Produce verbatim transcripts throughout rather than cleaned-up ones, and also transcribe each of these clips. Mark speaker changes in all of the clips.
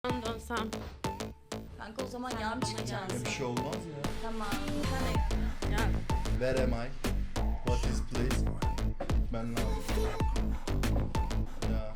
Speaker 1: dönsem.
Speaker 2: Kanka o zaman yarın çıkacaksın.
Speaker 3: Ya bir şey olmaz ya.
Speaker 2: Tamam. Sen de gel.
Speaker 1: Gel.
Speaker 3: Where am I? What is place? Ben ne yapayım? Ya.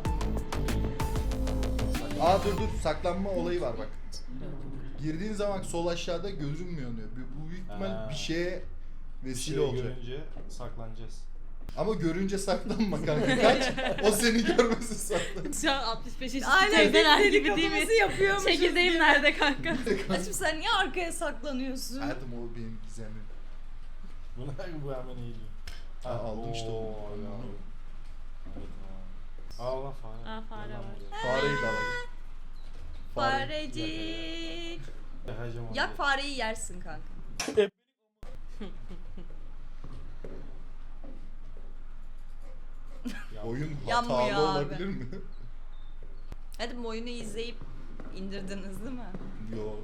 Speaker 3: Aa dur dur, saklanma olayı var bak. Girdiğin zaman sol aşağıda görünmüyor diyor. Bu büyük ihtimal
Speaker 4: Ha.
Speaker 3: bir şeye
Speaker 4: Bir
Speaker 3: vesile
Speaker 4: şey
Speaker 3: olacak.
Speaker 4: görünce saklanacağız.
Speaker 3: Ama görünce saklanma kanka, kaç. O seni görmesin saklan.
Speaker 1: Şu an altmış beş yaşında
Speaker 2: Aynen
Speaker 1: teyzeler
Speaker 2: deli
Speaker 1: gibi değil mi?
Speaker 2: kafası yapıyormuşuz
Speaker 1: Çekirdeğim
Speaker 2: gibi.
Speaker 1: nerede kanka?
Speaker 2: Açım sen niye arkaya saklanıyorsun?
Speaker 3: Hayatım o benim gizemim.
Speaker 4: Buna bu hemen eğiliyor.
Speaker 3: Ha, aldın işte onu.
Speaker 4: Oo,
Speaker 3: Onu.
Speaker 4: ya. Evet, tamam. Allah fare.
Speaker 1: Aa, fare
Speaker 4: Yalan
Speaker 1: var.
Speaker 4: buraya.
Speaker 3: Fareyi de alalım.
Speaker 2: Farecik.
Speaker 4: Yakacağım onu.
Speaker 2: Yak fareyi yersin kanka.
Speaker 4: Ya,
Speaker 3: Oyun
Speaker 2: Yanmıyor
Speaker 3: hatalı
Speaker 2: abi.
Speaker 3: olabilir mi?
Speaker 2: Hadi bu oyunu izleyip indirdiniz değil mi?
Speaker 3: Yo.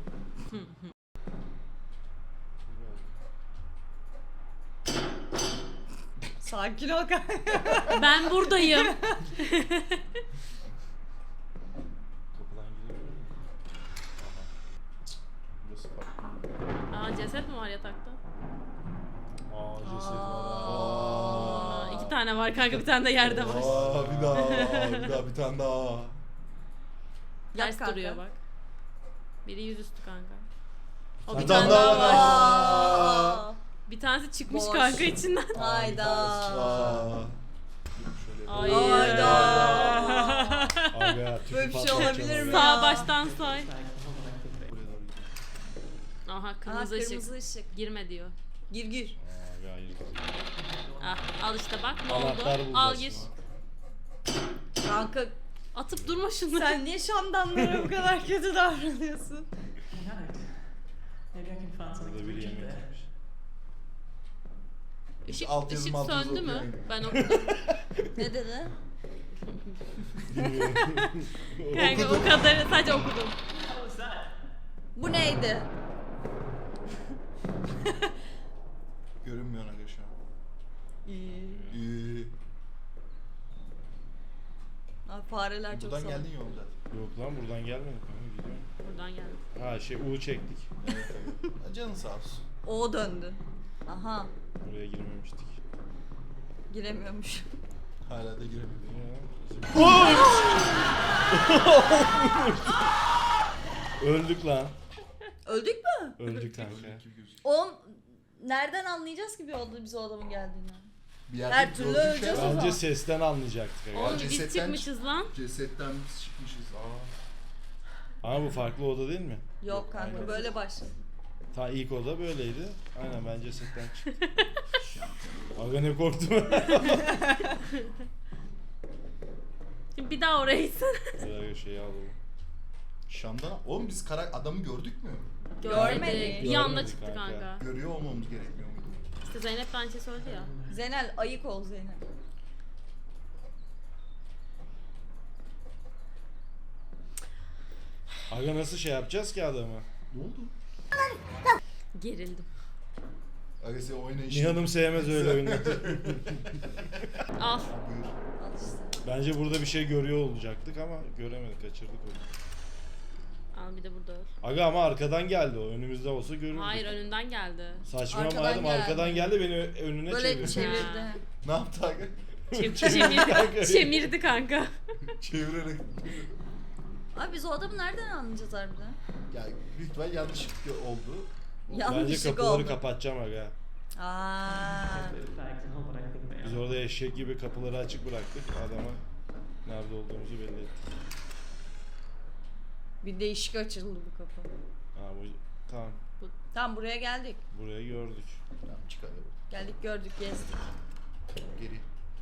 Speaker 2: Sakin ol kanka.
Speaker 1: Ben buradayım.
Speaker 4: Kapıdan girebilir miyim?
Speaker 3: Burası farklı.
Speaker 1: Aa, ceset mi var yatakta?
Speaker 4: Aa ceset var.
Speaker 1: Aa,
Speaker 3: Aa.
Speaker 1: iki tane var kanka, bir tane de yerde var.
Speaker 3: Aa, bir daha, bir daha, bir tane daha.
Speaker 2: Yap
Speaker 1: Ters
Speaker 2: kanka.
Speaker 1: duruyor bak. Biri yüzüstü kanka. O
Speaker 3: Bir
Speaker 1: bir
Speaker 3: tane
Speaker 1: tane daha
Speaker 3: daha
Speaker 1: var.
Speaker 3: var.
Speaker 2: Aa.
Speaker 1: Bir tanesi çıkmış
Speaker 2: Boş.
Speaker 1: kanka içinden.
Speaker 2: Hayda.
Speaker 3: Aa. Şöyle
Speaker 1: Ay.
Speaker 2: Hayda.
Speaker 4: Aga, tüpü
Speaker 2: Böyle bir şey
Speaker 4: patlatacağım
Speaker 2: olabilir mi?
Speaker 4: oraya.
Speaker 1: Sağ
Speaker 2: Ya.
Speaker 1: baştan say.
Speaker 3: Buraya doğru gidiyor.
Speaker 1: Aha,
Speaker 2: Aa,
Speaker 1: kırmızı,
Speaker 2: kırmızı
Speaker 1: ışık.
Speaker 2: ışık.
Speaker 1: Girme diyor.
Speaker 2: Gir gir.
Speaker 4: Aga hayır.
Speaker 1: Ah, al işte bak ne
Speaker 4: Anahtar
Speaker 1: oldu.
Speaker 4: bulacağız
Speaker 1: Al gir.
Speaker 4: şimdi.
Speaker 2: Kanka
Speaker 1: Atıp durma şunu.
Speaker 2: sen niye şamdanlara bu kadar kötü davranıyorsun?
Speaker 5: Maybe I can find something
Speaker 4: Burada
Speaker 5: to
Speaker 4: biri
Speaker 5: keep
Speaker 4: yemek
Speaker 5: there.
Speaker 4: yemiş.
Speaker 1: Işık,
Speaker 3: Alt yazım,
Speaker 1: ışık
Speaker 3: alt yazı
Speaker 1: söndü mü?
Speaker 3: okuyayım.
Speaker 1: Ben okudum.
Speaker 2: Ne dedi?
Speaker 1: Kanka o kadarı sadece okudum.
Speaker 5: What was that?
Speaker 2: Bu neydi?
Speaker 3: Görünmüyor aga şu an. İyi.
Speaker 2: Abi fareler çok
Speaker 3: Buradan
Speaker 2: salak.
Speaker 3: geldin yol zaten.
Speaker 4: Yok lan buradan gelmedik kanka, gidiyorum.
Speaker 1: Buradan geldim.
Speaker 4: Ha şey U çektik.
Speaker 3: Evet, evet. Canın sağ olsun.
Speaker 2: O döndü. Aha.
Speaker 4: Buraya girmemiştik.
Speaker 2: Giremiyormuş.
Speaker 3: Hala da giremedim.
Speaker 4: Öldük lan.
Speaker 2: Öldük mü?
Speaker 4: Öldük kanka.
Speaker 2: Oğlum nereden anlayacağız ki bir oldu bize o adamın geldiğini?
Speaker 3: Bir yerde
Speaker 2: Her türlü
Speaker 3: gördük ya.
Speaker 2: öleceğiz o zaman.
Speaker 4: Bence sesten anlayacaktık aga.
Speaker 1: Oğlum biz
Speaker 3: cesetten
Speaker 1: çıkmışız lan.
Speaker 3: Cesetten biz çıkmışız. Aa.
Speaker 4: Ama bu farklı oda değil mi?
Speaker 2: Yok kanka
Speaker 4: Aynen.
Speaker 2: böyle başladı.
Speaker 4: Ta ilk oda böyleydi. Aynen ben cesetten çıktım. Aga ne korktum.
Speaker 1: Şimdi bir daha oraya gitsene.
Speaker 4: Buraya şeyi alalım.
Speaker 3: Şam'dan oğlum biz kara adamı gördük mü?
Speaker 2: Görmedik.
Speaker 1: Bir anda
Speaker 4: Görmedik
Speaker 1: çıktı
Speaker 4: kanka.
Speaker 1: kanka.
Speaker 3: Görüyor olmamız gerekmiyor muydu?
Speaker 1: İşte Zeynep de aynı şey söyledi ya.
Speaker 2: Zeynel ayık ol Zeynel.
Speaker 4: Aga nasıl şey yapacağız ki adamı?
Speaker 3: Ne oldu?
Speaker 1: Gerildim.
Speaker 3: Aga sen oynayışın.
Speaker 4: Nihan'ım sevmez öyle oyunları.
Speaker 1: Al.
Speaker 3: Buyur.
Speaker 2: Al işte.
Speaker 4: Bence burada bir şey görüyor olacaktık ama göremedik, kaçırdık onu.
Speaker 1: Al bir de burada öl.
Speaker 4: Aga ama arkadan geldi o, önümüzde olsa görürdük.
Speaker 1: Hayır, önünden geldi.
Speaker 4: Saçmalama
Speaker 2: Arkadan
Speaker 4: hayatım,
Speaker 2: geldi.
Speaker 4: arkadan geldi beni ö- önüne
Speaker 2: Böyle
Speaker 4: çevirdi.
Speaker 2: çevirdi.
Speaker 3: Ne yaptı aga?
Speaker 1: Çem çemirdi. Çemirdi kanka.
Speaker 3: Çevirerek.
Speaker 2: Abi biz o adamı nereden anlayacağız harbiden?
Speaker 3: Ya büyük ihtimal yanlışlıkla oldu.
Speaker 4: Bence
Speaker 2: Yanlışlık
Speaker 4: kapıları
Speaker 2: oldu.
Speaker 4: kapatacağım aga.
Speaker 2: Aaa.
Speaker 5: The bags and all, but I think they
Speaker 4: Biz
Speaker 5: are.
Speaker 4: orada eşek gibi kapıları açık bıraktık, adama nerede olduğumuzu belli ettik.
Speaker 2: Bir değişik açıldı bu kapı.
Speaker 4: Ha bu tamam,
Speaker 2: Tamam buraya geldik.
Speaker 4: burayı gördük.
Speaker 3: Tamam çık hadi.
Speaker 2: Geldik gördük gezdik.
Speaker 3: Geri.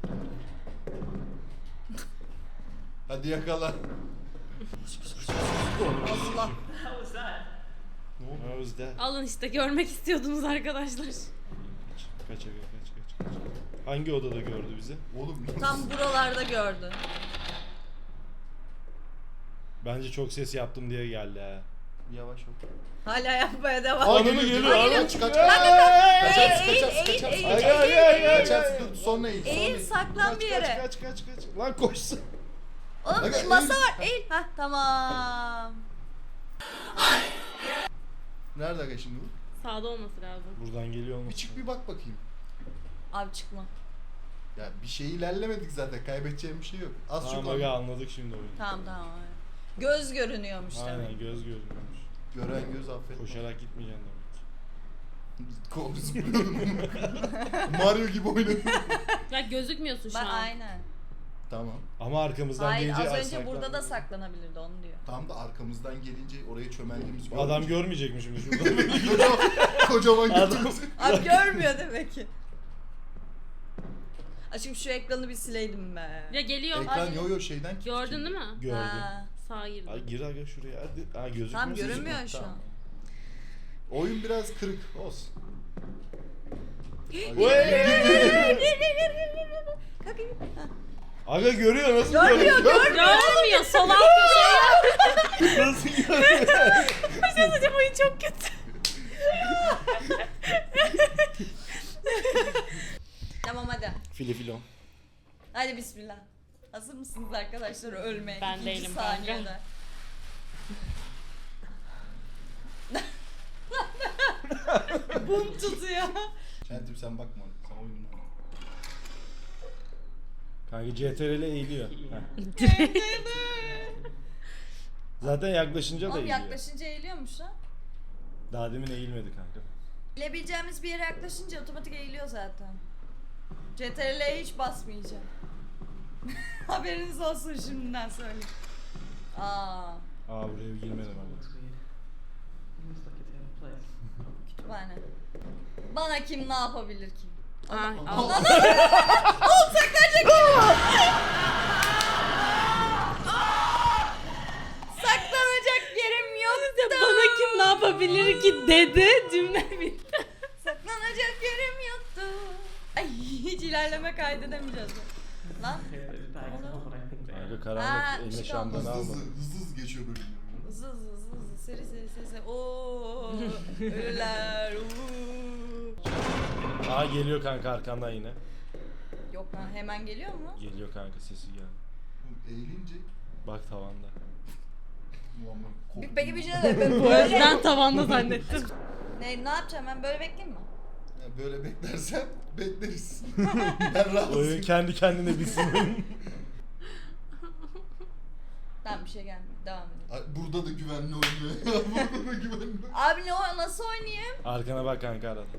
Speaker 3: Hadi yakala.
Speaker 2: Allah.
Speaker 5: How was that?
Speaker 4: Ne oldu? Özde.
Speaker 1: Alın işte, görmek istiyordunuz arkadaşlar.
Speaker 4: Kaç kaç aga, kaç kaç kaç. Hangi odada gördü bizi?
Speaker 3: Oğlum
Speaker 2: Tam buralarda gördü.
Speaker 4: Bence çok ses yaptım diye geldi ha.
Speaker 3: yavaş ol.
Speaker 2: Hala yapmaya devam.
Speaker 4: Ananı
Speaker 3: geliyor,
Speaker 4: geliyor,
Speaker 3: geliyor.
Speaker 4: ananı
Speaker 3: Kaç, kaç,
Speaker 4: geliyor.
Speaker 3: kaç.
Speaker 2: Eğil,
Speaker 3: Kaçarsın,
Speaker 2: eğil,
Speaker 3: kaçarsın,
Speaker 2: eğil,
Speaker 3: kaçarsın.
Speaker 2: eğil,
Speaker 4: Ay, ay, ay, ay, ay.
Speaker 3: Kaçarsın, dur, sonra eğil, sonra
Speaker 2: Eğil
Speaker 3: eğil.
Speaker 2: saklan
Speaker 4: Kaç
Speaker 2: bir
Speaker 4: kaç
Speaker 2: yere.
Speaker 4: kaç kaç kaç. Lan koşsun.
Speaker 2: Oğlum
Speaker 3: Aga,
Speaker 2: masa
Speaker 3: eğil.
Speaker 2: var. Eğil. Hah tamam.
Speaker 3: Nerede aga şimdi bu?
Speaker 1: Sağda olması lazım.
Speaker 4: Buradan geliyor
Speaker 3: Bir
Speaker 4: olmasın?
Speaker 3: çık bir bak bakayım.
Speaker 2: Abi çıkma.
Speaker 3: Ya bir şey ilerlemedik zaten. Kaybedeceğim bir şey yok. Az
Speaker 4: Tamam
Speaker 3: çok
Speaker 4: aga anladık şimdi oyunu.
Speaker 2: Tamam tamam. aynen. Göz görünüyormuş demek.
Speaker 4: Aynen göz görünüyormuş.
Speaker 3: gören göz affetmez.
Speaker 4: Koşarak gitmeyeceksin demek.
Speaker 3: Kol zıplıyorum. Mario gibi oynadım.
Speaker 1: Ya gözükmüyorsun şu
Speaker 2: Bak
Speaker 1: an.
Speaker 2: aynen.
Speaker 3: Tamam.
Speaker 4: Ama arkamızdan
Speaker 2: Hayır
Speaker 4: gelince
Speaker 2: az önce
Speaker 4: saklan-
Speaker 2: burada da saklanabilirdi onu diyor.
Speaker 3: Tam da arkamızdan gelince oraya çömeldiğimiz
Speaker 4: Bu adam görmeyecek mi şimdi şurada?
Speaker 3: kocaman, kocaman
Speaker 4: Adam-
Speaker 3: gözümüzü.
Speaker 2: Abi görmüyor demek ki. Aşkım şu ekranı bir sileydim be.
Speaker 1: Ya geliyor.
Speaker 3: Ekran
Speaker 2: Ay.
Speaker 3: yo yo şeyden kilitli.
Speaker 1: Gördün değil mi?
Speaker 4: Gördüm.
Speaker 2: Ha.
Speaker 1: Sağa girdi.
Speaker 4: Ay gir aga şuraya hadi. Ha gözükmüyor.
Speaker 2: Tam
Speaker 4: sizin.
Speaker 2: görünmüyor şu
Speaker 3: Tamam.
Speaker 2: an.
Speaker 3: Oyun biraz kırık olsun.
Speaker 4: Vay!
Speaker 2: Kalkayım. Ha.
Speaker 4: Aga görüyor nasıl
Speaker 2: Görmüyor,
Speaker 4: görüyor?
Speaker 1: Görmüyor. Sol alt köşeye.
Speaker 4: Nasıl görüyor?
Speaker 1: Bir şey söyleyeceğim, oyun çok kötü.
Speaker 2: Tamam hadi.
Speaker 4: Fili filon.
Speaker 2: Hadi bismillah. Hazır mısınız arkadaşlar ölmeye?
Speaker 1: Ben
Speaker 2: İkinci
Speaker 1: değilim
Speaker 2: saniyede.
Speaker 1: kanka.
Speaker 2: Bum tutuyor.
Speaker 3: Şentim sen bakma ona. Sen oyununu oyna.
Speaker 4: Kanka C T R L eğiliyor. Heh. Zaten yaklaşınca da
Speaker 2: Oğlum
Speaker 4: eğiliyor.
Speaker 2: yaklaşınca eğiliyormuş lan.
Speaker 4: Daha demin eğilmedi kanka.
Speaker 2: Bilebileceğimiz bir yere yaklaşınca otomatik eğiliyor zaten. C T R L'ye hiç basmayacağım. Haberiniz olsun şimdiden söyleyeyim. Aa,
Speaker 4: Aa buraya bir girmedim abi.
Speaker 5: Looks weird. Almost like it's out of place.
Speaker 2: kütüphane. Bana kim ne yapabilir ki?
Speaker 1: Ay,
Speaker 3: Allah.
Speaker 1: Allah.
Speaker 2: Oğlum saklanacak kim? Saklanacak yerim yok.
Speaker 1: Bana kim ne yapabilir ki dedi, cümle bitti.
Speaker 2: Saklanacak yerim yoktu. Ay hiç ilerleme kaydedemeyeceğiz. Lan
Speaker 5: Okay, those bags are not what I think they are.
Speaker 4: Kanka
Speaker 2: Aa,
Speaker 4: karanlık eline
Speaker 2: ışık
Speaker 4: şamdanı
Speaker 3: Hızlı
Speaker 4: alma.
Speaker 3: hızlı, hızlı hızlı geçiyor bölümler.
Speaker 2: hızlı hızlı hızlı hızlı seri seri seri seri. Ooo ölüler. uuu.
Speaker 4: Aa geliyor kanka arkandan yine.
Speaker 2: Yok lan hemen geliyor mu?
Speaker 4: Geliyor kanka sesi geldi.
Speaker 3: Bu Eğilince
Speaker 4: Bak tavanda.
Speaker 3: Muammer korktum.
Speaker 2: Bir, peki bir şey de ben
Speaker 1: O
Speaker 2: böyle.
Speaker 1: yüzden tavanda zannettim.
Speaker 2: Ne, ne yapacağım ben böyle bekleyeyim mi?
Speaker 3: Ya böyle beklersen bekleriz. Ben rahatsızım.
Speaker 4: Oyun kendi kendine bitsin.
Speaker 2: Tamam bir şey gelmiyor. Devam edelim.
Speaker 3: Ay, burada da güvenli oynuyor. Burada da güvenli.
Speaker 2: Abi ne o nasıl oynayayım?
Speaker 4: Arkana bak kanka arada.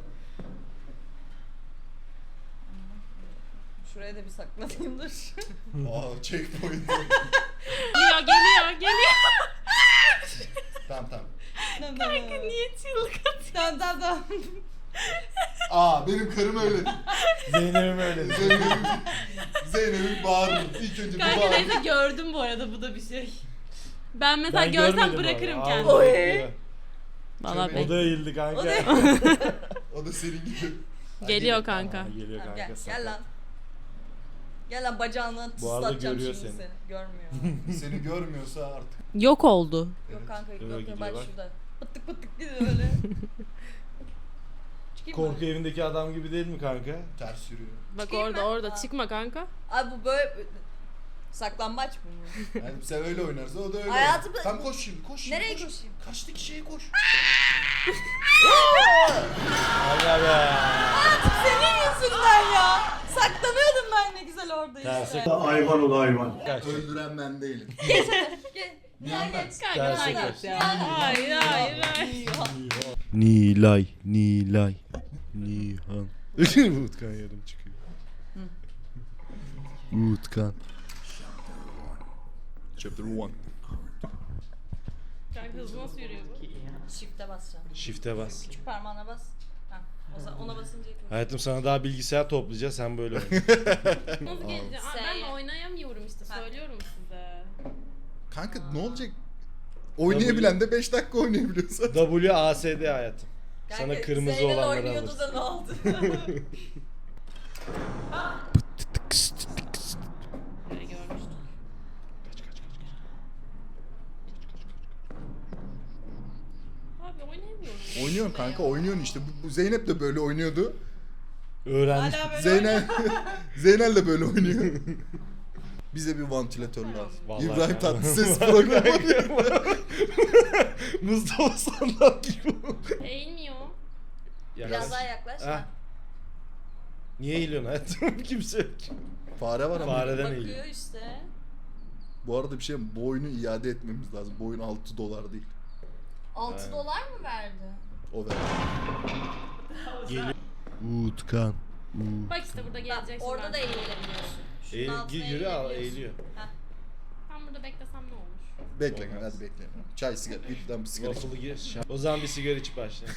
Speaker 2: Şuraya da bir saklanayım dur.
Speaker 3: Aa checkpoint.
Speaker 1: Geliyor, geliyor, geliyor.
Speaker 3: tamam tamam.
Speaker 2: Tamam,
Speaker 1: Kanka
Speaker 2: tamam.
Speaker 1: niye çığlık atıyor?
Speaker 2: Tamam tamam tamam.
Speaker 3: Aa benim karım öyle.
Speaker 4: Zeynep'im öyle.
Speaker 3: Zeynep'in Zeynep'in bağırır. İlk önce bir
Speaker 1: Kanka neyse
Speaker 3: bağırır.
Speaker 1: gördüm bu arada, bu da bir şey. Ben mesela
Speaker 4: Ben
Speaker 1: görsem
Speaker 4: görmedim
Speaker 1: bırakırım
Speaker 4: abi.
Speaker 1: kendimi.
Speaker 4: Aa,
Speaker 2: Oy.
Speaker 4: bekliyor.
Speaker 1: Valla
Speaker 3: Şöyle-
Speaker 4: O da eğildi kanka.
Speaker 2: O da-
Speaker 3: O da senin gibi.
Speaker 1: Geliyor
Speaker 3: Hadi.
Speaker 1: kanka.
Speaker 4: Aa, geliyor
Speaker 2: Tamam,
Speaker 4: kanka.
Speaker 2: gel,
Speaker 4: sakat.
Speaker 2: gel lan. Gel lan bacağını
Speaker 4: Bu arada
Speaker 2: tıslatacağım
Speaker 4: görüyor
Speaker 2: şimdi
Speaker 4: seni.
Speaker 2: seni. Görmüyor.
Speaker 3: Seni görmüyorsa artık.
Speaker 1: Yok oldu.
Speaker 2: Yok kanka yok
Speaker 4: Öyle
Speaker 2: yok
Speaker 4: gidiyor
Speaker 2: bak
Speaker 4: bak.
Speaker 2: şurada. Pıttık pıttık gidiyor öyle. Çıkayım mı?
Speaker 4: Korku evindeki adam gibi değil mi kanka?
Speaker 3: Ters yürüyor.
Speaker 1: Bak
Speaker 2: Çıkayım
Speaker 1: orada
Speaker 2: ben.
Speaker 1: orada
Speaker 2: Aa.
Speaker 1: çıkma kanka.
Speaker 2: Abi bu böyle saklambaç mı bu?
Speaker 3: Yani sen öyle oynarsa o da öyle
Speaker 2: Hayatım-
Speaker 3: oynar. Tam koş şimdi koş şimdi.
Speaker 2: Nereye
Speaker 3: koş.
Speaker 2: koşayım?
Speaker 3: Kaçtaki şeye koş.
Speaker 4: Aga be.
Speaker 2: Artık senin yüzünden ya. Saklanıyordum ben ne güzel orada
Speaker 4: Terse
Speaker 2: işte.
Speaker 6: Hayvan ol hayvan.
Speaker 4: kaç.
Speaker 3: Öldüren ben değilim.
Speaker 2: Gel. Gel
Speaker 3: Yandan.
Speaker 2: geç.
Speaker 1: Kanka
Speaker 4: Terse
Speaker 1: sen
Speaker 4: kaç.
Speaker 1: git ya. Hayır hayır hayır.
Speaker 4: Nilay, Nilay, Nihan. Utkan yarım çıkıyor. Utkan.
Speaker 3: Chapter one.
Speaker 1: Kanka hızlı nasıl yürüyor bu?
Speaker 5: Key out.
Speaker 2: Shift'e basacağım.
Speaker 4: Shift'e bas.
Speaker 2: Küçük parmağına bas. Ha, o zaman ona basınca yapıyorum.
Speaker 4: Hayatım sana daha bilgisayar toplayacağız sen böyle oyna.
Speaker 1: Nasıl geleceğim? Aa, ben
Speaker 2: S'ye.
Speaker 1: oynayamıyorum işte,
Speaker 2: Ha.
Speaker 1: söylüyorum size.
Speaker 3: Kanka ne olacak? Oynayabilen de beş dakika oynayabiliyorsa.
Speaker 4: W A S D hayatım. Sana
Speaker 2: Kanka,
Speaker 4: kırmızı
Speaker 2: Zeynel
Speaker 4: olanları
Speaker 2: oynuyordu
Speaker 4: alırsın.
Speaker 2: da ne oldu?
Speaker 1: Böyle görmüştüm. Abi oynayamıyorum.
Speaker 3: Oynuyorsun kanka oynuyorsun işte. Bu, bu Zeynep de böyle oynuyordu.
Speaker 4: Öğrenmiş.
Speaker 2: Hala böyle
Speaker 3: Zeynel Zeynel de böyle oynuyor. Bize bir vantilatör lazım.
Speaker 4: Vallahi
Speaker 3: İbrahim
Speaker 4: yani.
Speaker 3: Tatlıses programı.
Speaker 4: Mustafa Sandal gibi.
Speaker 1: Eğilmiyor.
Speaker 2: Biraz daha yaklaş.
Speaker 4: Ha.
Speaker 2: Ha.
Speaker 4: Niye eğiliyorsun hayatım? Kimse yok.
Speaker 3: Fare var ama.
Speaker 4: Fareden eğiliyor.
Speaker 2: Bakıyor işte.
Speaker 3: Bu arada bir şey mi? Bu oyunu iade etmemiz lazım. Bu oyun altı dolar değil.
Speaker 2: altı
Speaker 4: Aynen.
Speaker 2: dolar mı verdi?
Speaker 3: O ver.
Speaker 4: Geliyor.
Speaker 3: Utkan.
Speaker 1: Bak işte burada
Speaker 2: Bak
Speaker 1: gelecek.
Speaker 2: orada da eğilebiliyorsun. Şunun
Speaker 4: Eğil,
Speaker 2: altına
Speaker 4: gir, yürü al
Speaker 2: eğilebiliyorsun.
Speaker 4: eğiliyor.
Speaker 2: Heh.
Speaker 1: Ben burada beklesem ne olur?
Speaker 3: Bekle
Speaker 4: Olmaz.
Speaker 3: hadi bekle. Çay sigara. Lütfen bir sigara.
Speaker 4: Waffle'ı gir. O zaman bir sigara içip başla.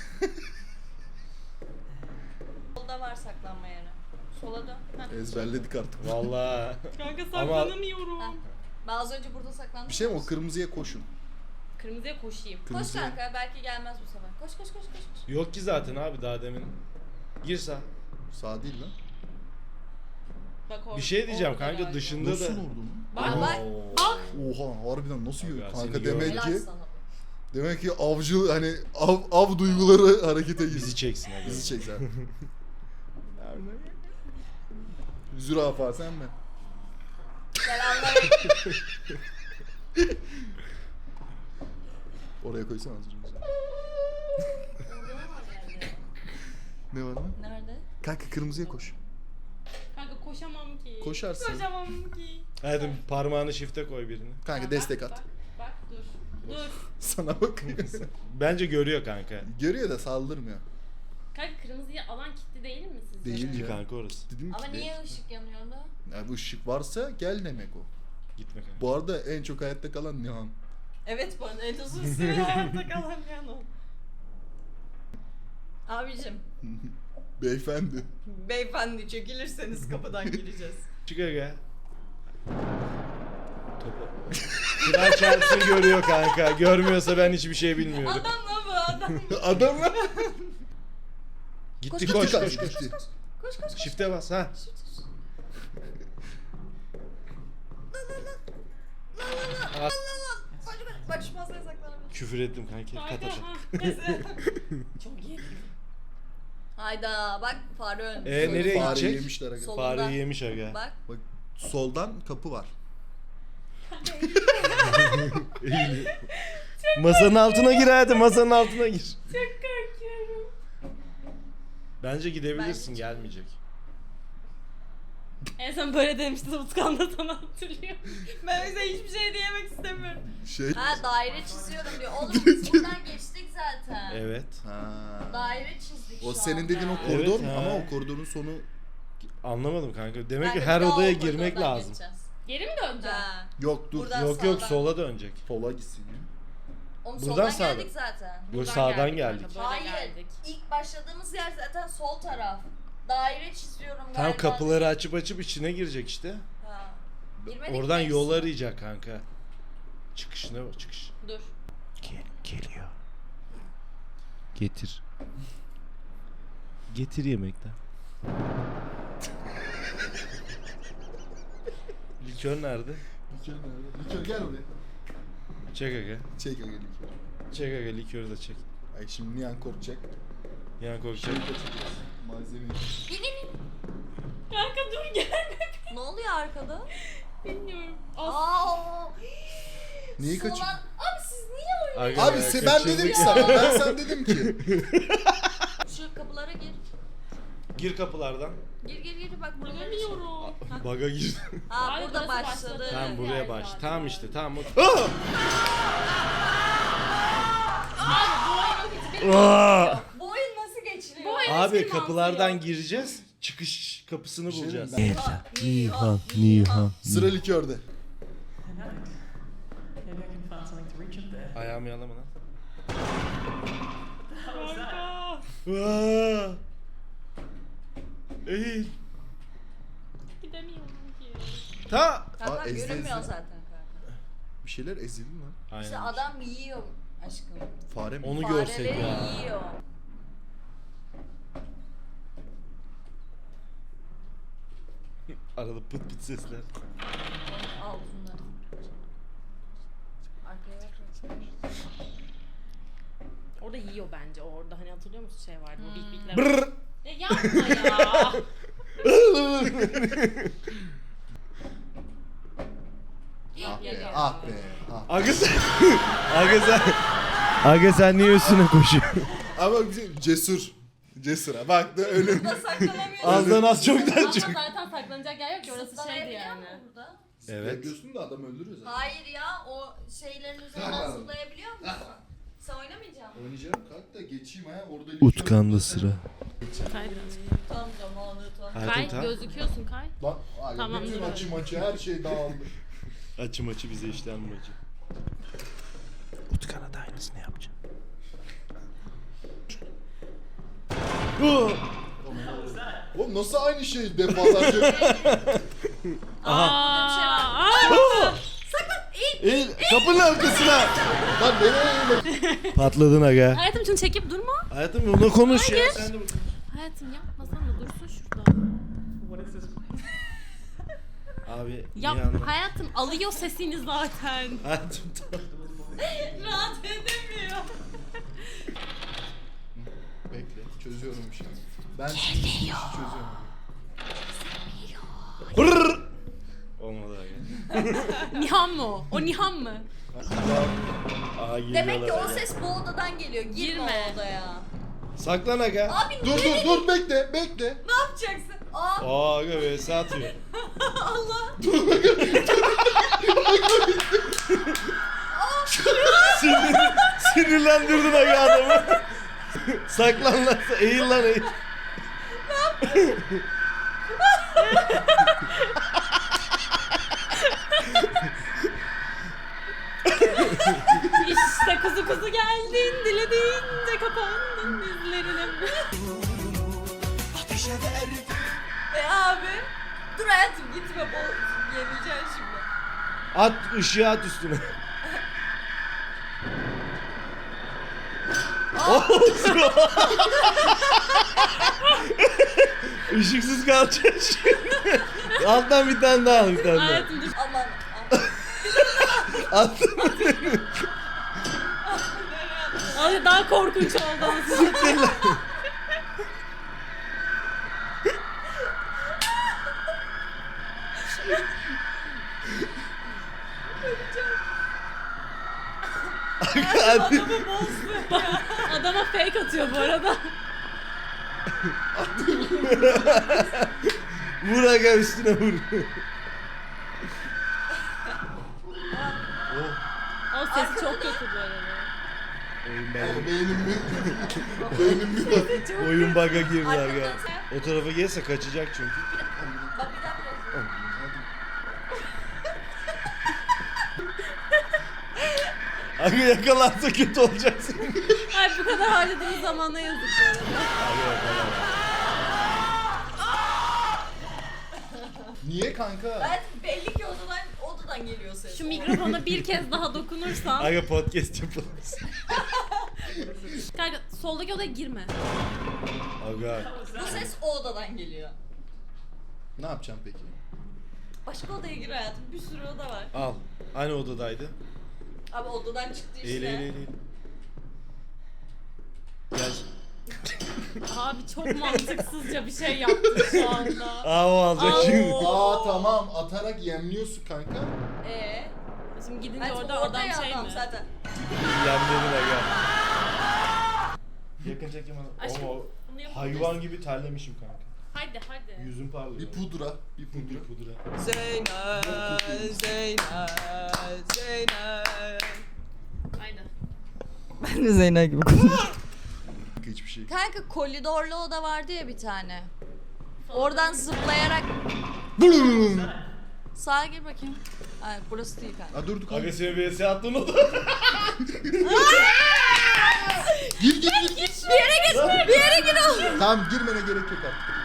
Speaker 2: Solda var saklanma yeri. Sola dön. Heh.
Speaker 3: Ezberledik artık.
Speaker 4: Vallahi.
Speaker 1: Kanka
Speaker 4: Ama-
Speaker 1: saklanamıyorum.
Speaker 2: Heh. Ben az önce burada saklandım.
Speaker 3: Bir şey mi o kırmızıya koşun.
Speaker 1: Kırmızıya koşayım.
Speaker 2: Koş
Speaker 3: Kırmızıya.
Speaker 2: kanka belki gelmez bu sefer. Koş koş koş koş. koş.
Speaker 4: Yok ki zaten abi daha demin. Gir sağ.
Speaker 3: Sağ değil lan.
Speaker 1: Bak orada.
Speaker 4: Bir şey diyeceğim
Speaker 1: orada
Speaker 4: kanka
Speaker 1: galiba.
Speaker 4: dışında
Speaker 3: Nasıl
Speaker 4: da.
Speaker 3: oldu mu?
Speaker 1: Bak
Speaker 2: Aa,
Speaker 1: bak. Bak.
Speaker 3: Oha harbiden nasıl yiyor?
Speaker 4: Abi,
Speaker 3: Kanka
Speaker 4: seni
Speaker 3: demek
Speaker 4: gördüm.
Speaker 2: Helal
Speaker 3: ki
Speaker 2: sana.
Speaker 3: demek ki avcı hani av, av duyguları harekete girdi.
Speaker 4: Bizi çeksin hadi.
Speaker 3: Bizi çek sen. Zürafa sen mi?
Speaker 2: Selamünaleyküm.
Speaker 3: Oraya koysana az önce. Ne var lan?
Speaker 2: Nerede?
Speaker 3: Kanka kırmızıya koş.
Speaker 1: Kanka koşamam ki.
Speaker 3: Koşarsın.
Speaker 1: Koşamam ki.
Speaker 4: Hadi parmağını shift'e koy birini.
Speaker 3: Kanka
Speaker 1: Bak,
Speaker 3: destek
Speaker 1: bak,
Speaker 3: at.
Speaker 1: Bak, bak dur. Dur.
Speaker 3: Sana bakıyor.
Speaker 4: Bence görüyor kanka.
Speaker 3: Görüyor da saldırmıyor.
Speaker 1: Kanka kırmızıya alan kilitli değil mi sizce?
Speaker 3: Değil
Speaker 4: Ki
Speaker 3: ya.
Speaker 4: kanka orası.
Speaker 3: Dedim
Speaker 2: Ama
Speaker 3: ki
Speaker 2: niye
Speaker 3: değil.
Speaker 2: ışık yanıyordu?
Speaker 3: Ya bu ışık varsa gel demek o.
Speaker 4: Gitme kanka.
Speaker 3: Bu arada en çok hayatta kalan Nihan.
Speaker 2: Evet bana en uzun süre hayatta kalan yan o. Abicim,
Speaker 3: Beyefendi.
Speaker 2: beyefendi çekilirseniz kapıdan gireceğiz.
Speaker 4: Çık aga. Topu. Kral Chelsea görüyor kanka. Görmüyorsa ben hiçbir şey bilmiyorum.
Speaker 2: Adam lan bu adam.
Speaker 3: Adam lan.
Speaker 4: Gitti
Speaker 3: Gitti
Speaker 4: koş
Speaker 3: kanka,
Speaker 4: koş koş.
Speaker 3: gitti.
Speaker 2: Koş koş koş.
Speaker 4: Shift'e bas ha.
Speaker 2: Bak şu masaya saklanabilir.
Speaker 4: Küfür ettim kanka.
Speaker 1: Kanka,
Speaker 4: Kat kat.
Speaker 1: ha.
Speaker 2: Çok iyi. Hayda bak fare ölmüş.
Speaker 4: Ee, nereye
Speaker 2: Solunda.
Speaker 3: Fare
Speaker 4: gidecek?
Speaker 3: yemişler aga.
Speaker 2: Sol-
Speaker 4: Fareyi yemiş aga.
Speaker 2: Bak.
Speaker 3: Bak soldan kapı var.
Speaker 4: Eğiliyor. Masanın altına gir hadi masanın altına gir.
Speaker 1: Çok korkuyorum.
Speaker 4: Bence gidebilirsin
Speaker 2: Bence-
Speaker 4: gelmeyecek.
Speaker 1: En son böyle demişti Utkan da sana hatırlıyor. Ben o yüzden hiçbir şey diyemek istemiyorum.
Speaker 3: Şey.
Speaker 2: Ha daire çiziyorum diyor. Oğlum biz buradan geçtik zaten.
Speaker 4: Evet.
Speaker 3: Ha.
Speaker 2: Daire çizdik
Speaker 3: O
Speaker 2: şu
Speaker 3: senin
Speaker 2: anda.
Speaker 3: dediğin o koridor
Speaker 4: Evet,
Speaker 3: ama
Speaker 4: ha.
Speaker 3: o koridorun sonu
Speaker 4: Anlamadım kanka. Demek
Speaker 2: Kanka
Speaker 4: ki her
Speaker 2: bir daha
Speaker 4: odaya
Speaker 2: o
Speaker 4: girmek
Speaker 2: koridordan
Speaker 4: lazım.
Speaker 2: geçeceğiz.
Speaker 1: Geri mi döneceğim?
Speaker 2: Ha.
Speaker 3: yok dur.
Speaker 2: Buradan
Speaker 4: Yok yok
Speaker 2: sağdan.
Speaker 4: sola dönecek.
Speaker 3: Sola gitsin ya.
Speaker 2: Oğlum
Speaker 4: Buradan
Speaker 2: soldan
Speaker 4: sağdan.
Speaker 2: geldik zaten.
Speaker 4: Yok
Speaker 1: Buradan
Speaker 4: sağdan
Speaker 1: geldik
Speaker 4: geldik.
Speaker 1: kanka, böyle
Speaker 2: Hayır.
Speaker 1: geldik.
Speaker 2: İlk başladığımız yer zaten sol taraf. Daire çiziyorum galiba.
Speaker 4: Tam kapıları açıp açıp içine girecek işte.
Speaker 2: Ha. Girmedik
Speaker 4: Oradan
Speaker 2: mi?
Speaker 4: yol arayacak kanka. Çıkışına bak çıkış.
Speaker 1: Dur.
Speaker 4: Gel, geliyor. Getir. Getir yemekten. Likör nerede?
Speaker 3: Likör nerede? Likör gel buraya.
Speaker 4: Çek aga.
Speaker 3: Çek aga likör.
Speaker 4: Çek aga likörü de çek.
Speaker 3: Ay şimdi Nihan korkacak.
Speaker 4: Yan korkacak.
Speaker 3: Malzemeyi.
Speaker 2: İn in in.
Speaker 1: Kanka dur gelme.
Speaker 2: Ne oluyor arkada?
Speaker 1: Bilmiyorum. As
Speaker 2: Aa.
Speaker 3: Niye
Speaker 2: Solan-
Speaker 3: kaçıyor?
Speaker 2: Abi siz niye öyle?
Speaker 4: Aga,
Speaker 3: Abi se ben
Speaker 4: kaçırdık
Speaker 3: dedim ki
Speaker 4: ya.
Speaker 3: sana. Ben sana dedim ki.
Speaker 2: Şu kapılara gir.
Speaker 4: Gir kapılardan.
Speaker 2: Gir gir gir bak burada.
Speaker 1: Bulamıyorum.
Speaker 4: Baga gir.
Speaker 2: Ha
Speaker 1: Abi
Speaker 2: burada
Speaker 1: burası
Speaker 2: başladı.
Speaker 1: başladı.
Speaker 4: Tamam buraya
Speaker 1: yer
Speaker 4: baş.
Speaker 1: zaten.
Speaker 4: Tamam işte tamam.
Speaker 1: Abi bu oyunu hiç bilmiyorum.
Speaker 4: Aa!
Speaker 2: Bu oyun nasıl geçiliyor?
Speaker 1: Bu oyun-
Speaker 4: Abi
Speaker 1: Eski
Speaker 4: kapılardan
Speaker 1: mantığı
Speaker 4: gireceğiz. Çıkış kapısını
Speaker 3: şey
Speaker 4: bulacağız.
Speaker 3: diyeyim
Speaker 2: Nihan, Nihan.
Speaker 3: Sıra likörde.
Speaker 5: Tonight. Maybe I can find something to reach up there.
Speaker 4: Ayağımı yalama lan.
Speaker 5: How was that?
Speaker 1: Kanka.
Speaker 4: Aa! Eğil.
Speaker 1: Gidemiyorum ki.
Speaker 4: Ta.
Speaker 2: Kanka
Speaker 3: Aa, ezdi,
Speaker 2: görünmüyor
Speaker 3: ezdi.
Speaker 2: zaten kanka.
Speaker 3: Bir şeyler ezildi lan.
Speaker 4: Aynen.
Speaker 2: İşte adam yiyor aşkım.
Speaker 3: Fare mi?
Speaker 4: Onu
Speaker 2: Fareleri
Speaker 4: görsek ya.
Speaker 2: yiyor.
Speaker 4: Arada pıt pıt sesler.
Speaker 2: Al bunları. Arkaya bak.
Speaker 1: Orada yiyor bence. Orada hani hatırlıyor musun şey vardı o bik bikler.
Speaker 4: Brrr.
Speaker 1: Ya yapma ya.
Speaker 3: Ah be. Ah.
Speaker 4: Aga sen... Aga sen... Aga sen niye üstüne koşuyorsun?
Speaker 3: Ama bizim cesur. Cesur ha. Bak da ölüm.
Speaker 2: Saklanamıyorum.
Speaker 4: Azdan az çoktan
Speaker 1: Ama
Speaker 4: çok.
Speaker 1: zaten saklanacak yer yok ki orası şeydi yani.
Speaker 2: Burada.
Speaker 4: Evet.
Speaker 3: Yapıyorsun da adam öldürüyor zaten.
Speaker 2: Hayır ya o şeylerin üzerinden zıplayabiliyor musun? Sen oynamayacaksın mı?
Speaker 3: Oynayacağım kalk da geçeyim ha. Orada
Speaker 4: Utkan'da sıra.
Speaker 1: Kay birazcık.
Speaker 2: Tam zamanı tam.
Speaker 1: Kay
Speaker 4: Hayatım tam.
Speaker 1: gözüküyorsun Kay.
Speaker 3: Lan abi
Speaker 1: Tamam,
Speaker 3: bütün
Speaker 1: dur.
Speaker 3: açı maçı her şey dağıldı.
Speaker 4: Açı maçı bize işten maçı. Utkan'a da aynısını yapacağım.
Speaker 3: Oğlum nasıl aynı şey defalarca?
Speaker 1: Aa,
Speaker 2: bir şey var.
Speaker 1: aa!
Speaker 4: Eğil kapının arkasına.
Speaker 3: Lan nereye eğilir?
Speaker 4: Patladın aga.
Speaker 1: Hayatım şunu çekip durma.
Speaker 4: Hayatım onunla konuş ya.
Speaker 1: Hayır.
Speaker 4: Sen de
Speaker 1: Hayatım yapmasana dursun şurada.
Speaker 5: What is this place?
Speaker 4: Abi
Speaker 1: Yap
Speaker 4: iyi anla.
Speaker 1: hayatım alıyor sesini zaten.
Speaker 4: Hayatım tamam.
Speaker 2: Rahat edemiyor.
Speaker 3: Bekle çözüyorum şimdi. Ben şimdi işi çözüyorum.
Speaker 4: Brrr. Olmadı aga.
Speaker 1: Nihan mı o? O Nihan mı?
Speaker 4: Aa, geliyorlar
Speaker 2: Demek ki o
Speaker 4: aga.
Speaker 2: ses bu odadan geliyor. Girme,
Speaker 1: Girme.
Speaker 2: o odaya.
Speaker 4: Saklan aga.
Speaker 2: Abi
Speaker 3: Dur
Speaker 2: niye
Speaker 3: dur dur bekle bekle.
Speaker 2: ne yapacaksın? Aa
Speaker 4: Aa aga vs atıyor.
Speaker 2: Allah.
Speaker 4: Sinir, sinirlendirdin aga adamı. Saklan lan. Eğil lan eğil.
Speaker 1: İşte kuzu kuzu geldin dilediğince kapandın dizlerine.
Speaker 2: E abi. Dur hayatım gitme bol yenileceksin şimdi.
Speaker 4: At ışığı at üstüne. Işıksız kalacak şimdi. Alttan bir tane daha al bir tane daha.
Speaker 1: Hayatım dur.
Speaker 2: Aman. aman.
Speaker 4: Attım.
Speaker 1: Ay daha korkunç oldu.
Speaker 4: Siktir lan. Hadi.
Speaker 1: Adama fake atıyor bu arada.
Speaker 4: Vur aga üstüne vur.
Speaker 1: O sesi çok kötü bu arada.
Speaker 4: Oyun
Speaker 3: Ama
Speaker 4: bug'a,
Speaker 3: beynim mi? Beynim mi?
Speaker 4: oyun bug'a girdi aga.
Speaker 2: Arkadan sen-
Speaker 4: O tarafa gelirse kaçacak çünkü.
Speaker 2: Bak bir dakika.
Speaker 4: Aga yakalarsa kötü olacaksın.
Speaker 1: Ay bu kadar harcadığımız zamana yazık bu arada.
Speaker 4: Aga yakalar.
Speaker 3: Niye kanka?
Speaker 2: Hayatım belli ki odadan, odadan geliyor ses.
Speaker 1: Şu mikrofona bir kez daha dokunursan.
Speaker 4: Aga podcast yapalım.
Speaker 1: Kanka soldaki odaya girme.
Speaker 4: Aga.
Speaker 2: Bu ses o odadan geliyor.
Speaker 3: Ne yapacağım peki?
Speaker 2: Başka odaya gir hayatım. Bir sürü oda var.
Speaker 4: Al. Aynı odadaydı.
Speaker 2: Abi odadan çıktı işte.
Speaker 4: Eğil eğil eğil. Gel.
Speaker 1: Abi çok mantıksızca bir şey yaptın şu anda.
Speaker 4: Aa o alacak
Speaker 1: Aa,
Speaker 4: şimdi.
Speaker 1: o-
Speaker 3: Aa tamam atarak yemliyorsun kanka.
Speaker 2: Ee,
Speaker 1: Şimdi gidince
Speaker 2: hayatım
Speaker 1: orada
Speaker 2: orada
Speaker 1: adam
Speaker 2: ya
Speaker 1: şey
Speaker 2: adam
Speaker 1: mi?
Speaker 2: zaten.
Speaker 4: Yemledin aga. Yakın çekim al.
Speaker 1: Aşkım,
Speaker 4: Ama
Speaker 1: bunu yapabiliriz.
Speaker 4: hayvan gibi terlemişim kanka.
Speaker 1: Hadi hadi.
Speaker 4: Yüzüm parlıyor.
Speaker 3: Bir pudra, bir
Speaker 4: Bir
Speaker 3: pudra.
Speaker 4: pudra.
Speaker 2: Zeynep, Zeynep, Zeynep.
Speaker 1: Aynen.
Speaker 2: Ben de Zeynep gibi konuşuyorum.
Speaker 3: Hiçbir şey.
Speaker 2: Kanka koridorlu oda vardı ya bir tane. Oradan zıplayarak sağa gir bakayım. Ay burası değil kanka.
Speaker 3: Ha dur dur
Speaker 4: Aga
Speaker 3: kanka.
Speaker 4: seni V S attın o da.
Speaker 3: Gir gir gir. gir.
Speaker 2: Bir yere git, bir yere gir oğlum.
Speaker 3: Tamam girmene gerek yok artık.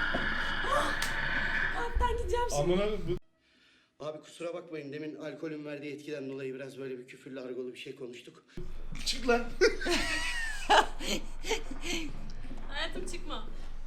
Speaker 1: Ben gideceğim şimdi.
Speaker 4: Amına bu.
Speaker 6: Abi kusura bakmayın demin alkolün verdiği etkiden dolayı biraz böyle bir küfürlü argolu bir şey konuştuk.
Speaker 4: Çık lan.
Speaker 1: Hayatım çıkma.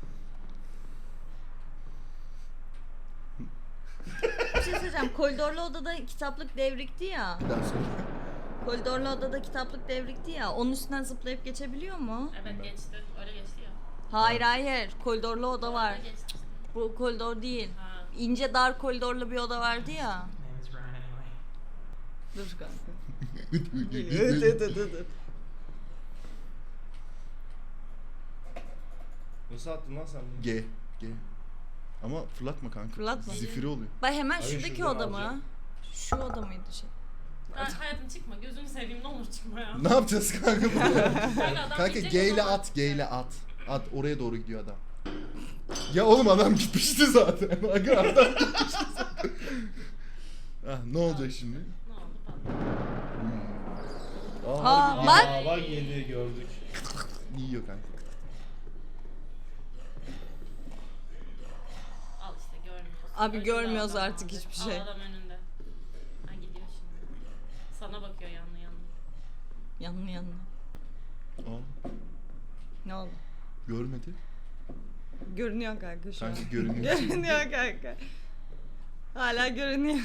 Speaker 2: Bir şey söyleyeceğim. Koridorlu odada kitaplık devrikti ya.
Speaker 3: Bir daha söyle.
Speaker 2: Koridorlu odada kitaplık devrikti ya. Onun üstünden zıplayıp geçebiliyor mu?
Speaker 1: Evet geçti. Öyle geçti ya.
Speaker 2: Hayır hayır. Koridorlu oda var.
Speaker 1: Öyle geçti.
Speaker 2: Bu koridor değil.
Speaker 1: Ha.
Speaker 2: İnce dar koridorlu bir oda vardı ya.
Speaker 5: Name is Ryan anyway.
Speaker 2: Dur kanka.
Speaker 4: Evet evet evet evet. Nasıl attın lan sen bunu?
Speaker 3: G. G. Ama fırlatma kanka.
Speaker 2: Fırlatma.
Speaker 3: Zifiri oluyor.
Speaker 2: Bay hemen
Speaker 4: Hayır,
Speaker 2: şuradaki
Speaker 4: şuradan
Speaker 2: oda mı?
Speaker 4: alacağım.
Speaker 2: Şu oda mıydı şey?
Speaker 1: Ha, hayatım çıkma. Gözünü seveyim ne olur çıkma ya.
Speaker 3: Ne yapacağız kanka burada?
Speaker 1: Kanka, adam
Speaker 3: Kanka
Speaker 1: gidecek,
Speaker 3: G
Speaker 1: o
Speaker 3: ile
Speaker 1: zaman-
Speaker 3: at, G ile at. At oraya doğru gidiyor adam. Ya oğlum adam gitmişti zaten. Aga adam gitmişti zaten. Ah, ne olacak şimdi?
Speaker 1: Ne oldu patladı.
Speaker 3: Aa,
Speaker 2: Aa,
Speaker 3: harbi
Speaker 2: bak.
Speaker 4: Aa bak yedi gördük.
Speaker 3: yiyor kanka.
Speaker 1: Al işte görmüyorsun.
Speaker 2: Abi
Speaker 1: Önünde
Speaker 2: görmüyoruz
Speaker 1: adam
Speaker 2: artık
Speaker 1: abi.
Speaker 2: hiçbir
Speaker 1: Al,
Speaker 2: şey.
Speaker 1: adam önünde. Ha gidiyor şimdi. Sana bakıyor yanlı yanlı.
Speaker 2: Yanına yanına.
Speaker 3: Aa,
Speaker 2: Ne oldu?
Speaker 3: görmedi.
Speaker 2: Görünüyor kanka şu
Speaker 3: Kanka
Speaker 2: an.
Speaker 3: görünüyor.
Speaker 2: Görünüyor kanka. Hala görünüyor.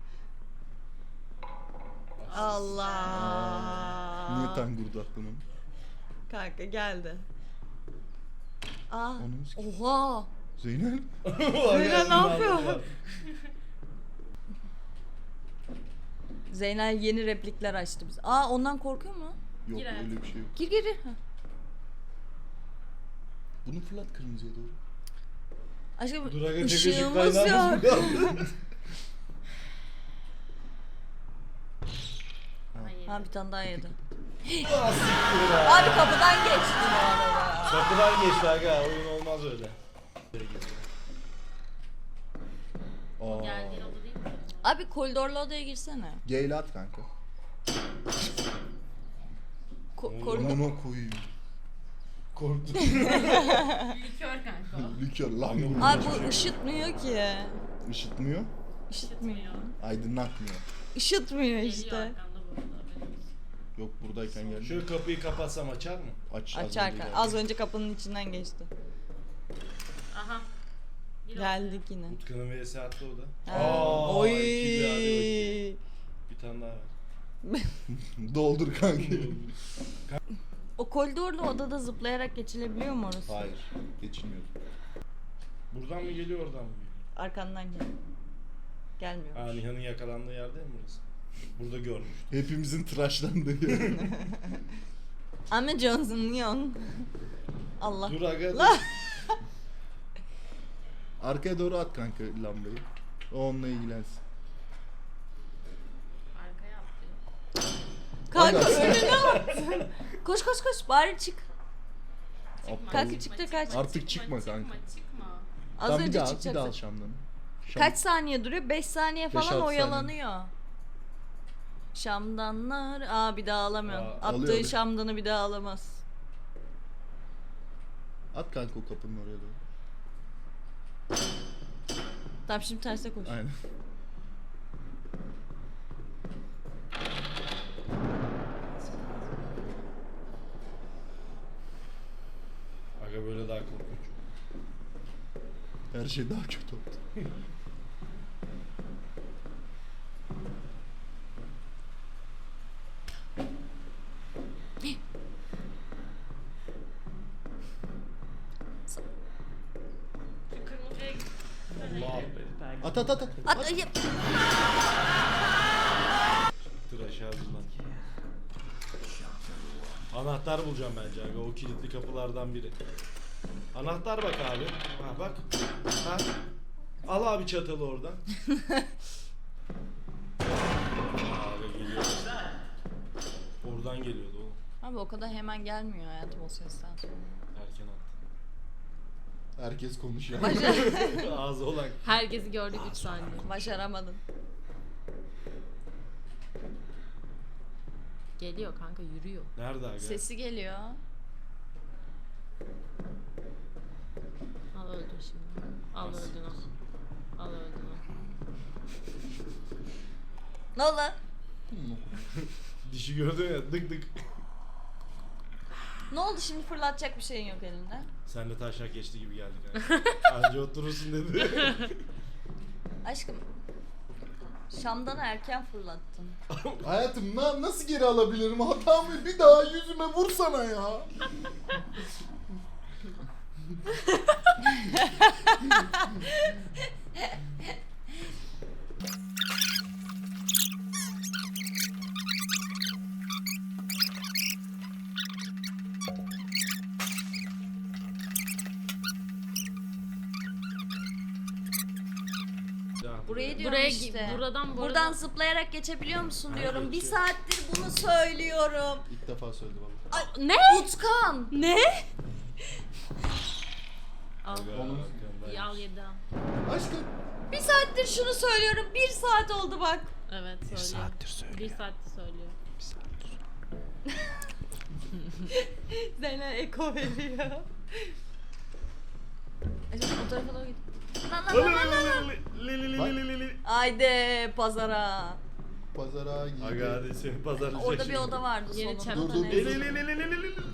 Speaker 2: Allah.
Speaker 3: Niye tangurdu aklına?
Speaker 2: Kanka geldi. Aa.
Speaker 3: Onun s-
Speaker 2: Oha.
Speaker 3: Zeynel.
Speaker 2: Zeynel ne yapıyor? Zeynel yeni replikler açtı biz. Aa ondan korkuyor mu?
Speaker 3: Yok
Speaker 1: Gir hayatım.
Speaker 3: öyle bir şey yok.
Speaker 2: Gir gir. gir. Ha.
Speaker 3: Bunu fırlat kırmızıya doğru.
Speaker 2: Aşkım
Speaker 4: Dur aga tek ışık
Speaker 2: ışığımız
Speaker 4: kaynağımız
Speaker 2: yok.
Speaker 4: mı kaldı?
Speaker 1: Hayır.
Speaker 2: Ha bir tane daha yedi.
Speaker 4: Ah, siktir ya.
Speaker 2: Abi kapıdan geçti bu arada.
Speaker 4: Kapıdan geçti aga oyun olmaz öyle.
Speaker 3: Aa.
Speaker 1: Geldiğin oda değil mi?
Speaker 2: Abi koridorlu odaya girsene.
Speaker 3: G ile at kanka.
Speaker 2: Ko- koridor.
Speaker 3: Amına koyayım.
Speaker 4: Korktum.
Speaker 1: Likör kanka o.
Speaker 3: Likör lan bu.
Speaker 2: Abi bu ışıtmıyor ki.
Speaker 3: Işıtmıyor,
Speaker 2: Işıtmıyor.
Speaker 1: Gitmiyor.
Speaker 3: aydınlatmıyor.
Speaker 2: Işıtmıyor
Speaker 1: Geliyor
Speaker 2: işte.
Speaker 1: arkanda bu arada. haberin olsun.
Speaker 3: Yok buradayken geldi.
Speaker 4: Şu kapıyı kapatsam açar mı?
Speaker 3: Aç. az
Speaker 2: Açar
Speaker 3: önce
Speaker 2: kanka.
Speaker 3: geldi.
Speaker 2: Az önce kapının içinden geçti.
Speaker 1: Aha. Gir
Speaker 2: Geldik yine.
Speaker 4: Utkan'ın vs attı o da.
Speaker 2: Ha.
Speaker 4: Aa,
Speaker 2: Oy.
Speaker 4: iki bir, hadi bakayım. Bir tane daha var.
Speaker 3: Doldur kanka.
Speaker 2: O koridorlu odada zıplayarak geçilebiliyor mu orası?
Speaker 3: Hayır. Geçilmiyor.
Speaker 4: Buradan mı geliyor oradan mı geliyor?
Speaker 2: Arkandan gel. Gelmiyor.
Speaker 4: Ha Nihan'ın yakalandığı yer değil mi burası? Burada görmüş.
Speaker 3: Hepimizin tıraşlandığı yer.
Speaker 2: Ama Johnson Leon. Allah.
Speaker 4: Dur aga dur.
Speaker 2: La.
Speaker 3: Arkaya doğru at kanka lambayı. O onunla ilgilensin.
Speaker 1: Arkaya atlıyor.
Speaker 2: Kanka
Speaker 3: Aga, sen-
Speaker 2: önüne attın. Koş koş koş bari çık.
Speaker 1: Çıkma,
Speaker 2: Kanka
Speaker 1: çıkma,
Speaker 2: çıktı,
Speaker 1: çıkma,
Speaker 2: kaç.
Speaker 3: Artık çıkma kanka.
Speaker 1: Çıkma çıkma.
Speaker 2: Az
Speaker 3: Tamam, bir
Speaker 2: önce
Speaker 3: daha at, bir daha al
Speaker 2: çıkacaksın.
Speaker 3: Şam'dan. Şam.
Speaker 2: Kaç saniye duruyor? beş saniye
Speaker 3: Beş,
Speaker 2: falan
Speaker 3: altı
Speaker 2: oyalanıyor. Şamdanlar. Aa bir daha alamıyor.
Speaker 4: Aa,
Speaker 2: Attığı
Speaker 3: alıyor, alıyor.
Speaker 2: şamdanı bir daha alamaz.
Speaker 3: At kanka o kapının oraya doğru.
Speaker 2: Tamam şimdi terse koş.
Speaker 3: Aynen.
Speaker 4: Aga böyle daha korkunç.
Speaker 3: Her şey daha kötü oldu.
Speaker 1: Şu kırmızıya git.
Speaker 4: Allah be.
Speaker 3: At at at at.
Speaker 2: At, ay,
Speaker 4: Tıraş ağzından. Anahtar bulacağım bence aga o kilitli kapılardan biri. Anahtar bak abi. Ha bak. Ha. Al abi çatalı oradan. Abi geliyor. Oradan geliyordu oğlum.
Speaker 2: Abi o kadar hemen gelmiyor hayatım o sesten sonra.
Speaker 4: Erken attı.
Speaker 3: Herkes konuşuyor.
Speaker 2: Başar
Speaker 4: Ağzı olan.
Speaker 1: Herkesi gördük üç saniye.
Speaker 2: Başaramadın.
Speaker 1: Geliyor kanka yürüyor.
Speaker 4: Nerede aga?
Speaker 2: Sesi geliyor.
Speaker 1: Al öldün şimdi. Al öldün o. Al öldün o.
Speaker 2: Ne oldu lan?
Speaker 4: Dişi gördün ya dık dık.
Speaker 2: Ne oldu şimdi fırlatacak bir şeyin yok elinde.
Speaker 4: Sen de taşak geçti gibi geldik aga. Anca oturursun dedi.
Speaker 2: Aşkım. Şamdanı erken fırlattın.
Speaker 3: Hayatım na nasıl geri alabilirim? Hatamı bir daha yüzüme vursana ya.
Speaker 2: Burayı diyorum
Speaker 1: Buraya
Speaker 2: işte.
Speaker 1: buradan bu
Speaker 2: Buradan
Speaker 1: arada-
Speaker 2: zıplayarak geçebiliyor musun
Speaker 4: Ha,
Speaker 2: diyorum. Bir
Speaker 4: geçiyor.
Speaker 2: saattir bunu söylüyorum.
Speaker 3: İlk defa söyledi valla.
Speaker 1: Ne?
Speaker 2: Utkan.
Speaker 1: Ne? Al.
Speaker 3: Onun-
Speaker 1: İyi, al yedi al.
Speaker 3: Aşkım.
Speaker 2: Bir saattir şunu söylüyorum. Bir saat oldu bak.
Speaker 1: Evet söylüyor. Bir saattir söylüyor. Bir saattir söylüyor.
Speaker 2: Zeynep eko veriyor. Acaba o tarafa doğru git. Lan lan
Speaker 4: Li-
Speaker 2: lan lan lan.
Speaker 4: li- li- li- li- li- li- li.
Speaker 2: Haydi pazara.
Speaker 3: Pazara gidiyor.
Speaker 4: Aga hadi seni pazarlayacak
Speaker 2: Orada bir
Speaker 4: şimdi.
Speaker 2: oda vardı
Speaker 1: Yeni
Speaker 2: solunda.
Speaker 1: çanta
Speaker 3: Dur, dur,
Speaker 2: Ne?
Speaker 3: dur.
Speaker 4: Li- li- li- li- li- li- li- li.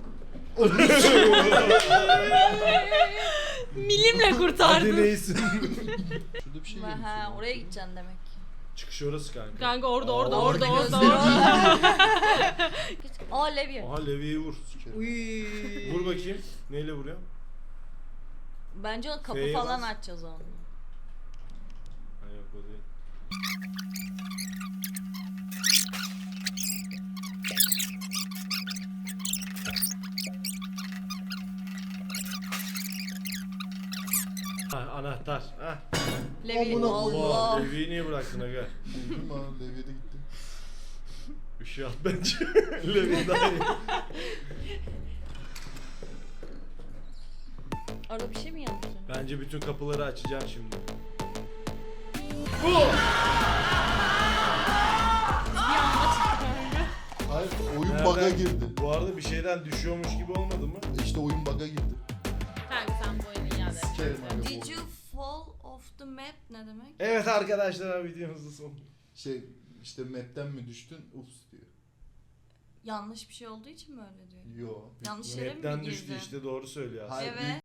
Speaker 1: Milimle
Speaker 4: Hadi
Speaker 1: kurtardın.
Speaker 4: neysin?
Speaker 3: Şurada bir şey
Speaker 2: Ha,
Speaker 3: görmüşsün.
Speaker 2: ha, oraya gideceksin demek ki.
Speaker 4: Çıkış orası kanka.
Speaker 1: Kanka orada
Speaker 4: Aa,
Speaker 1: orada
Speaker 2: orada
Speaker 1: orada orada
Speaker 2: gözleri
Speaker 1: orada.
Speaker 2: Aa Levye.
Speaker 4: Aha Levi'yi vur.
Speaker 3: Sikerim.
Speaker 2: Uy.
Speaker 4: Vur bakayım. Neyle vuruyor?
Speaker 2: Bence o kapı
Speaker 4: F'ye
Speaker 2: falan
Speaker 4: bas.
Speaker 2: açacağız onu.
Speaker 4: Ha yok o değil. Ha, anahtar. Ha.
Speaker 2: Levye.
Speaker 3: Amına
Speaker 2: Allah.
Speaker 4: Levi'yi niye bıraktın aga?
Speaker 3: Buldum ha. Levyede gitti.
Speaker 4: Işığı at bence. Levi daha iyi.
Speaker 2: Arada bir şey mi yanlış?
Speaker 4: Bence bütün kapıları açacaksın şimdi.
Speaker 3: Hayır oyun
Speaker 4: Nereden-
Speaker 3: bug'a girdi.
Speaker 4: Bu arada bir şeyden düşüyormuş gibi olmadı mı?
Speaker 3: İşte oyun bug'a girdi.
Speaker 1: Kanka sen bu oyunu iade et.
Speaker 3: Sikerim aga
Speaker 2: Did
Speaker 3: bu.
Speaker 2: you fall off the map ne demek?
Speaker 4: Evet arkadaşlar videomuzun sonu.
Speaker 3: Şey işte map'ten mi düştün? Ups diyor.
Speaker 2: Yanlış bir şey olduğu için mi öyle diyor?
Speaker 3: Yo.
Speaker 2: Yanlış yere mi
Speaker 4: Map'ten
Speaker 2: girdi?
Speaker 4: düştü işte doğru söylüyor aslında.
Speaker 3: Hayır,
Speaker 2: Evet.